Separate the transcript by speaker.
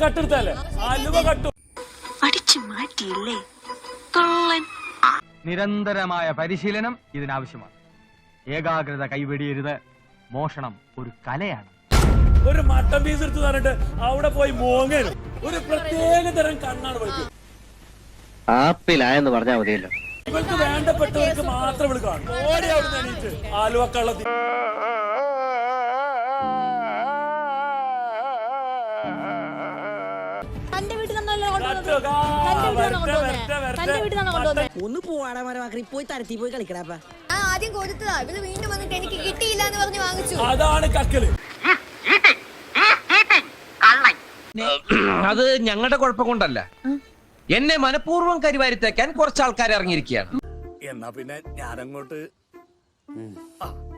Speaker 1: കട്ടെടുത്തല്ലേ ആലുവ കട്ടു
Speaker 2: അടിച്ചു മാറ്റിയില്ലേ കള്ളൻ.
Speaker 3: നിരന്തരമായ പരിശീലനം ഇതിനാവശ്യമാണ്. ഏകാഗ്രത കൈവെടിയരുത്. മോഷണം ഒരു കലയാണ്.
Speaker 1: ഒരു മട്ടൻ പീസ് എടുത്ത് പറഞ്ഞിട്ട് അവിടെ പോയി മോങ്ങരും. ഒരു പ്രത്യേക തരം കണ്ണാണ് വിളിക്കും.
Speaker 4: ആപ്പിലായെന്ന് പറഞ്ഞാൽ മതിയല്ലോ.
Speaker 1: ഇവർക്ക് വേണ്ടപ്പെട്ടവർക്ക് മാത്രം ഇവള് കാണും. ഓടി അവിടുന്ന് എണീറ്റ് ആലുവ കള്ളത്തിൽ
Speaker 5: ഒന്ന് പോവാടാ മരമാക്കി പോയി തരത്തി പോയി കളിക്കടാ.
Speaker 6: ആദ്യം കൊടുത്തതാ, ഇവര് വീണ്ടും വന്നിട്ട് എനിക്ക് കിട്ടിയില്ല എന്ന് പറഞ്ഞ് വാങ്ങിച്ചു.
Speaker 1: അതാണ് കക്കല്.
Speaker 7: അത് ഞങ്ങളുടെ കുഴപ്പം കൊണ്ടല്ല, എന്നെ മനഃപൂർവ്വം കരിവാരിത്തേക്കാൻ കുറച്ച് ആൾക്കാർ ഇറങ്ങിയിരിക്കുകയാണ്.
Speaker 1: എന്നാ പിന്നെ ഞാനങ്ങോട്ട്